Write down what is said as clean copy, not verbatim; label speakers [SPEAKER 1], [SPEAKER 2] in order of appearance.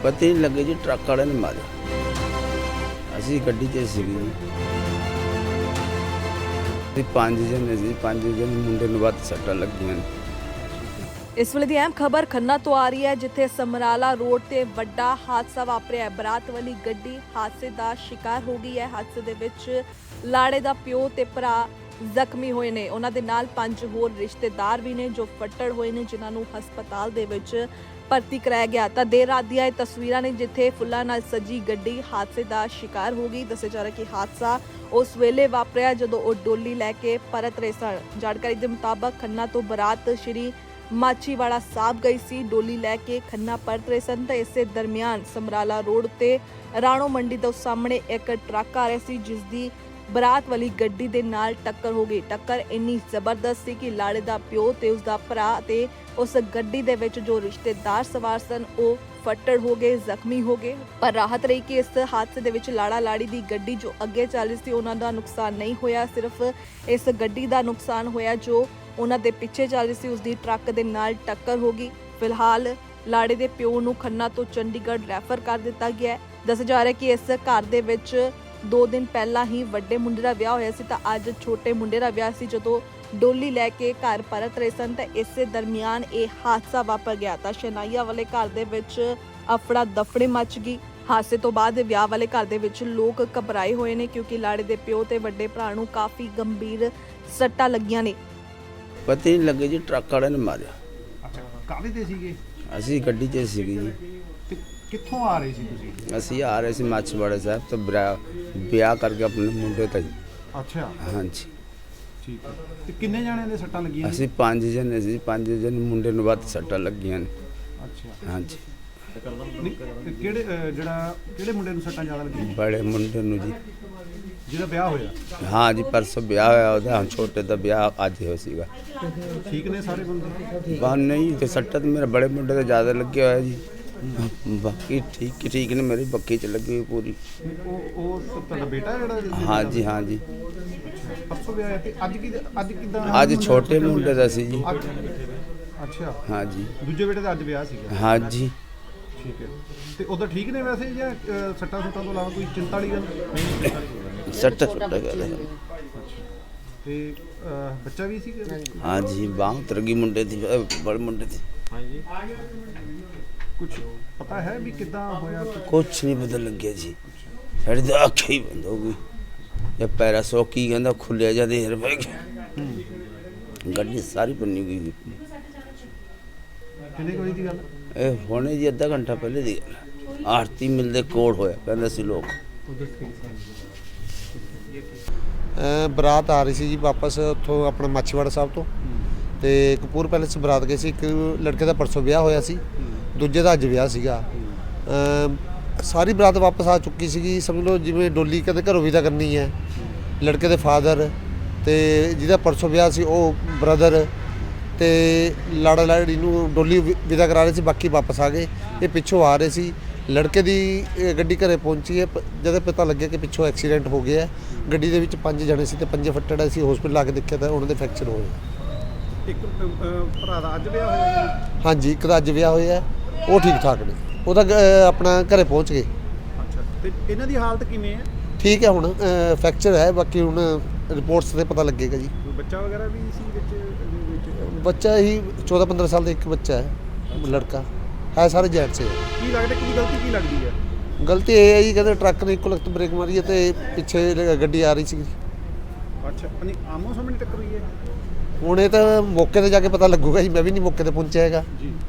[SPEAKER 1] ਪਤਾ ਹੀ ਨਹੀਂ ਲੱਗੇ ਜੀ, ਟਰੱਕ ਵਾਲੇ ਨੇ ਮਾਰਿਆ। ਅਸੀਂ ਗੱਡੀ 'ਚ ਸੀਗੇ ਜੀ, ਅਸੀਂ 5 ਜਣੇ ਸੀ, 5 ਜਣੇ ਮੁੰਡੇ ਨੂੰ ਵੱਧ ਸੱਟਾਂ ਲੱਗੀਆਂ ਨੇ।
[SPEAKER 2] ਇਸ ਵੇਲੇ ਦੀ ਅਹਿਮ ਖਬਰ ਖੰਨਾ ਤੋਂ ਆ ਰਹੀ ਹੈ, ਜਿੱਥੇ ਸਮਰਾਲਾ ਰੋਡ ਤੇ ਵੱਡਾ ਹਾਦਸਾ ਵਾਪਰਿਆ ਹੈ। ਬਰਾਤ ਵਾਲੀ ਗੱਡੀ ਹਾਦਸੇ ਦਾ ਸ਼ਿਕਾਰ ਹੋ ਗਈ ਹੈ। ਹਾਦਸੇ ਦੇ ਵਿੱਚ ਲਾੜੇ ਦਾ ਪਿਓ ਤੇ ਭਰਾ ਜ਼ਖਮੀ ਹੋਏ ਨੇ। ਉਹਨਾਂ ਦੇ ਨਾਲ 5 ਹੋਰ ਰਿਸ਼ਤੇਦਾਰ ਵੀ ਨੇ ਜੋ ਫੱਟੜ ਹੋਏ ਨੇ, ਜਿਨ੍ਹਾਂ ਨੂੰ ਹਸਪਤਾਲ ਦੇ ਵਿੱਚ ਭਰਤੀ ਕਰਾਇਆ ਗਿਆ। ਤਾਂ ਦੇਰ ਰਾਤ ਦੀਆਂ ਇਹ ਤਸਵੀਰਾਂ ਨੇ ਜਿੱਥੇ ਫੁੱਲਾਂ ਨਾਲ ਸਜੀ ਗੱਡੀ ਹਾਦਸੇ ਦਾ ਸ਼ਿਕਾਰ ਹੋ ਗਈ। ਦੱਸਿਆ ਜਾ ਰਿਹਾ ਕਿ ਹਾਦਸਾ ਉਸ ਵੇਲੇ ਵਾਪਰਿਆ ਜਦੋਂ ਉਹ ਡੋਲੀ ਲੈ ਕੇ ਪਰਤ ਰਹੇ ਸਨ। ਜਾਣਕਾਰੀ ਦੇ ਮੁਤਾਬਕ ਖੰਨਾ ਤੋਂ ਬਰਾਤ ਸ਼੍ਰੀ ਮਾਚੀਵਾੜਾ ਸਾਹਿਬ ਗਈ ਸੀ, ਡੋਲੀ ਲੈ ਕੇ ਖੰਨਾ ਪਰਤ ਰਹੇ ਸਨ। ਤਾਂ ਇਸੇ ਦਰਮਿਆਨ ਸਮਰਾਲਾ ਰੋਡ ਤੇ ਰਾਣੋ ਮੰਡੀ ਤੋਂ ਸਾਹਮਣੇ ਇੱਕ ਟਰੱਕ ਆ ਰਿਹਾ ਸੀ, ਜਿਸ ਦੀ ਬਰਾਤ ਵਾਲੀ ਗੱਡੀ ਦੇ ਨਾਲ ਟੱਕਰ ਹੋ ਗਈ। ਟੱਕਰ ਇੰਨੀ ਜ਼ਬਰਦਸਤ ਸੀ ਕਿ ਲਾੜੇ ਦਾ ਪਿਓ ਤੇ ਉਸ ਦਾ ਭਰਾ ਤੇ ਉਸ ਗੱਡੀ ਦੇ ਵਿੱਚ ਜੋ ਰਿਸ਼ਤੇਦਾਰ ਸਵਾਰ ਸਨ ਉਹ ਫੱਟੜ ਹੋ ਗਏ, ਜ਼ਖਮੀ ਹੋ ਗਏ। ਪਰ ਰਾਹਤ ਰਹੀ ਕਿ ਇਸ ਹਾਦਸੇ ਦੇ ਵਿੱਚ ਲਾੜਾ ਲਾੜੀ ਦੀ ਗੱਡੀ ਜੋ ਅੱਗੇ ਚੱਲ ਰਹੀ ਸੀ ਉਹਨਾਂ ਦਾ ਨੁਕਸਾਨ ਨਹੀਂ ਹੋਇਆ। ਸਿਰਫ ਇਸ ਗੱਡੀ ਦਾ ਨੁਕਸਾਨ ਹੋਇਆ ਜੋ ਉਹਨਾਂ ਦੇ ਪਿੱਛੇ ਚੱਲ ਰਹੀ ਸੀ, ਉਸ ਦੀ ਟਰੱਕ ਦੇ ਨਾਲ ਟੱਕਰ ਹੋ ਗਈ। ਫਿਲਹਾਲ ਲਾੜੇ ਦੇ ਪਿਓ ਨੂੰ ਖੰਨਾ ਤੋਂ ਚੰਡੀਗੜ੍ਹ ਰੈਫਰ ਕਰ ਦਿੱਤਾ ਗਿਆ ਹੈ। ਦੱਸਿਆ ਜਾ ਰਿਹਾ ਕਿ ਇਸ ਘਰ ਦੇ ਵਿੱਚ 2 ਦਿਨ ਪਹਿਲਾਂ ਹੀ ਵੱਡੇ ਮੁੰਡੇ ਦਾ ਵਿਆਹ ਹੋਇਆ ਸੀ, ਤਾਂ ਅੱਜ ਛੋਟੇ ਮੁੰਡੇ ਦਾ ਵਿਆਹ ਸੀ। ਜਦੋਂ ਡੋਲੀ ਲੈ ਕੇ ਘਰ ਪਰਤ ਰਹੇ ਸਨ ਤਾਂ ਇਸੇ ਦਰਮਿਆਨ ਇਹ ਹਾਦਸਾ ਵਾਪਰ ਗਿਆ। ਤਾਂ ਸ਼ਨਾਈਆ ਵਾਲੇ ਘਰ ਦੇ ਵਿੱਚ ਅਫੜਾ ਦਫੜੇ ਮਚ ਗਈ। ਹਾਦਸੇ ਤੋਂ ਬਾਅਦ ਵਿਆਹ ਵਾਲੇ ਘਰ ਦੇ ਵਿੱਚ ਲੋਕ ਘਬਰਾਏ ਹੋਏ ਨੇ, ਕਿਉਂਕਿ ਲਾੜੇ ਦੇ ਪਿਓ ਤੇ ਵੱਡੇ ਭਰਾ ਨੂੰ ਕਾਫੀ ਗੰਭੀਰ ਸੱਟਾਂ ਲੱਗੀਆਂ ਨੇ।
[SPEAKER 1] ਪਤਾ ਹੀ ਨਹੀਂ ਲੱਗੇ ਜੀ, ਟਰੱਕ ਵਾਲੇ ਨੇ ਮਾਰਿਆ।
[SPEAKER 3] ਅੱਛਾ, ਕਾਹਦੇ ਤੇ ਸੀਗੇ?
[SPEAKER 1] ਅਸੀਂ ਗੱਡੀ 'ਚ ਸੀਗੇ ਜੀ।
[SPEAKER 3] ਤੇ ਕਿੱਥੋਂ ਆ ਰਹੇ ਸੀ ਤੁਸੀਂ?
[SPEAKER 1] ਅਸੀਂ ਆ ਰਹੇ ਸੀ ਮਾਚੀਵਾੜਾ ਸਾਹਿਬ ਤੋਂ ਵਿਆਹ ਕਰਕੇ ਆਪਣੇ ਮੁੰਡੇ ਤੋਂ ਜੀ।
[SPEAKER 3] ਅੱਛਾ,
[SPEAKER 1] ਹਾਂਜੀ,
[SPEAKER 3] ਠੀਕ ਹੈ। ਤੇ ਕਿੰਨੇ ਜਣਿਆਂ ਦੇ ਸੱਟਾਂ ਲੱਗੀਆਂ?
[SPEAKER 1] ਅਸੀਂ 5 ਜਣੇ ਸੀ, 5 ਜਣੇ ਮੁੰਡੇ ਨੂੰ ਵੱਧ ਸੱਟਾਂ ਲੱਗੀਆਂ ਨੇ।
[SPEAKER 3] ਅੱਛਾ,
[SPEAKER 1] ਹਾਂਜੀ,
[SPEAKER 3] ਨਹੀਂ, ਤੇ ਕਿਹੜੇ ਮੁੰਡੇ ਨੂੰ ਸੱਟਾਂ ਜ਼ਿਆਦਾ ਲੱਗੀਆਂ?
[SPEAKER 1] ਬੜੇ ਮੁੰਡੇ ਨੂੰ ਜੀ।
[SPEAKER 3] ਜਿਹਦਾ ਵਿਆਹ ਹੋਇਆ?
[SPEAKER 1] ਹਾਂ ਜੀ, ਪਰਸੋਂ ਵਿਆਹ ਹੋਇਆ ਉਹਦਾ, ਹੁਣ ਛੋਟੇ ਦਾ ਵਿਆਹ ਅੱਜ ਹੋਇਆ ਸੀਗਾ।
[SPEAKER 3] ਠੀਕ ਨੇ ਸਾਰੇ ਬੰਦੇ?
[SPEAKER 1] ਬਾਹਰ ਨਹੀਂ ਤੇ ਸੱਟਾਂ ਤਾਂ ਮੇਰੇ ਬੜੇ ਮੁੰਡੇ ਤੇ ਜ਼ਿਆਦਾ ਲੱਗਿਆ ਹੋਇਆ ਜੀ। ਬਾਕੀ ਠੀਕ ਨੇ, ਮੇਰੀ ਬੱਕੀ 'ਚ ਲੱਗੀ ਹੋਈ ਪੂਰੀ।
[SPEAKER 3] ਉਹ ਤੁਹਾਡਾ ਬੇਟਾ ਜਿਹੜਾ?
[SPEAKER 1] ਹਾਂ ਜੀ, ਹਾਂ ਜੀ।
[SPEAKER 3] ਪਰਸੋਂ ਵਿਆਹ ਹੈ ਤੇ ਅੱਜ ਕਿੱਦਾਂ?
[SPEAKER 1] ਅੱਜ ਛੋਟੇ ਮੁੰਡੇ ਦਾ ਸੀ ਜੀ।
[SPEAKER 3] ਅੱਛਾ,
[SPEAKER 1] ਹਾਂ ਜੀ,
[SPEAKER 3] ਦੂਜੇ ਬੇਟੇ ਦਾ ਅੱਜ ਵਿਆਹ ਸੀਗਾ?
[SPEAKER 1] ਹਾਂ ਜੀ।
[SPEAKER 3] ਠੀਕ ਹੈ। ਤੇ ਉਧਰ ਠੀਕ ਨੇ ਵੈਸੇ, ਜਾਂ ਸੱਟਾਂ ਸੁੱਟਾਂ ਤੋਂ ਇਲਾਵਾ ਕੋਈ ਚਿੰਤਾ ਵਾਲੀ ਗੱਲ?
[SPEAKER 1] ਸੱਟਾਂ ਗੱਲ।
[SPEAKER 3] ਤੇ ਬੱਚਾ ਵੀ ਸੀਗਾ?
[SPEAKER 1] ਹਾਂ ਜੀ, ਬਾਂਹ ਉਤਰ ਗਈ ਮੁੰਡੇ ਦੀ, ਬੜੇ ਮੁੰਡੇ ਦੀ।
[SPEAKER 3] ਹਾਂਜੀ, ਕੁਝ ਪਤਾ ਹੈ ਵੀ ਕਿੱਦਾਂ ਹੋਇਆ?
[SPEAKER 1] ਕੁਛ ਨਹੀਂ ਪਤਾ ਲੱਗਿਆ ਜੀ, ਸਾਡੀ ਤਾਂ ਅੱਖ ਹੀ ਬੰਦ ਹੋ ਗਈ। ਇਹ ਪੈਰਾ ਸੋ ਕੀ ਕਹਿੰਦਾ ਖੁੱਲਿਆ ਜਾਂ ਦੇਰ ਪੈ ਗਿਆ, ਗੱਡੀ ਸਾਰੀ ਬੰਨੀ ਗਈ।
[SPEAKER 3] ਕਿੰਨੇ ਕੋਈ ਦੀ ਗੱਲ?
[SPEAKER 1] ਇਹ ਹੁਣੇ ਜੀ ਅੱਧਾ ਘੰਟਾ ਪਹਿਲੇ ਦੀ ਗੱਲ। ਆਰਤੀ ਮਿਲਦੇ ਕੋਲ ਹੋਇਆ ਕਹਿੰਦੇ ਸੀ ਲੋਕ।
[SPEAKER 4] ਬਰਾਤ ਆ ਰਹੀ ਸੀ ਜੀ ਵਾਪਸ ਉੱਥੋਂ ਆਪਣਾ ਮਾਚੀਵਾੜਾ ਸਾਹਿਬ ਤੋਂ, ਤੇ ਕਪੂਰ ਪੈਲੇਸ ਬਰਾਤ ਗਏ ਸੀ। ਇੱਕ ਲੜਕੇ ਦਾ ਪਰਸੋਂ ਵਿਆਹ ਹੋਇਆ ਸੀ, ਦੂਜੇ ਦਾ ਅੱਜ ਵਿਆਹ ਸੀਗਾ। ਸਾਰੀ ਬਰਾਤ ਵਾਪਸ ਆ ਚੁੱਕੀ ਸੀਗੀ, ਸਮਝ ਲਓ ਜਿਵੇਂ ਡੋਲੀ ਕਦੇ ਘਰੋਂ ਵਿਦਾ ਕਰਨੀ ਹੈ। ਲੜਕੇ ਦੇ ਫਾਦਰ ਤੇ ਜਿਹਦਾ ਪਰਸੋਂ ਵਿਆਹ ਸੀ ਉਹ ਬ੍ਰਦਰ ਤੇ ਲਾੜਾ ਲਾੜੀ ਨੂੰ ਡੋਲੀ ਵਿਦਾ ਕਰਾ ਰਹੇ ਸੀ, ਬਾਕੀ ਵਾਪਸ ਆ ਗਏ। ਇਹ ਪਿੱਛੋਂ ਆ ਰਹੇ ਸੀ, ਲੜਕੇ ਦੀ ਗੱਡੀ ਘਰੇ ਪਹੁੰਚੀ ਹੈ। ਜਦੋਂ ਪਤਾ ਲੱਗਿਆ ਕਿ ਪਿੱਛੋਂ ਐਕਸੀਡੈਂਟ ਹੋ ਗਿਆ, ਗੱਡੀ ਦੇ ਵਿੱਚ 5 ਜਣੇ ਸੀ ਤੇ 5 ਫੱਟੜ ਸੀ। ਹਸਪੀਟਲ ਆ ਕੇ ਦੇਖਿਆ ਤਾਂ ਉਹਨਾਂ ਦੇ ਫ੍ਰੈਕਚਰ ਹੋਏ।
[SPEAKER 3] ਇੱਕ ਭਰਾ ਦਾ ਅੱਜ ਵਿਆਹ ਹੋਇਆ?
[SPEAKER 4] ਹਾਂਜੀ, ਇੱਕ ਦਾ ਅੱਜ ਵਿਆਹ ਹੋਇਆ, ਉਹ ਠੀਕ ਠਾਕ ਨੇ, ਉਹਦਾ ਆਪਣਾ ਘਰੇ ਪਹੁੰਚ ਗਏ।
[SPEAKER 3] ਅੱਛਾ, ਤੇ ਇਹਨਾਂ ਦੀ ਹਾਲਤ ਕਿਵੇਂ ਹੈ?
[SPEAKER 4] ਠੀਕ ਹੈ, ਹੁਣ ਫ੍ਰੈਕਚਰ ਹੈ, ਬਾਕੀ ਹੁਣ ਰਿਪੋਰਟਸ ਤੇ ਪਤਾ ਲੱਗੇਗਾ ਜੀ।
[SPEAKER 3] ਕੋਈ ਬੱਚਾ ਵਗੈਰਾ ਵੀ ਸੀ ਵਿੱਚ?
[SPEAKER 4] ਬੱਚਾ ਹੀ 14-15 ਸਾਲ ਦਾ ਇੱਕ ਬੱਚਾ ਹੈ, ਲੜਕਾ ਹੈ, ਸਾਰੇ ਜੈਂਟਸ ਹੈ।
[SPEAKER 3] ਕੀ ਲੱਗਦਾ ਕਿ ਗਲਤੀ ਕੀ ਲੱਗਦੀ ਹੈ?
[SPEAKER 4] ਗਲਤੀ ਇਹ ਹੈ ਜੀ, ਕਹਿੰਦੇ ਟਰੱਕ ਨੇ ਇੱਕੋ ਲਖਤ ਬ੍ਰੇਕ ਮਾਰੀ ਹੈ ਤੇ ਪਿੱਛੇ ਗੱਡੀ ਆ ਰਹੀ ਸੀ।
[SPEAKER 3] ਅੱਛਾ, ਨਹੀਂ ਆਮੋ ਸਾਹਮਣੇ ਟੱਕਰ ਹੋਈ ਹੈ?
[SPEAKER 4] ਹੁਣ ਇਹ ਤਾਂ ਮੌਕੇ ਤੇ ਜਾ ਕੇ ਪਤਾ ਲੱਗੂਗਾ ਜੀ, ਮੈਂ ਵੀ ਨਹੀਂ ਮੌਕੇ ਤੇ ਪਹੁੰਚਿਆ ਹੈਗਾ।
[SPEAKER 3] ਜੀ।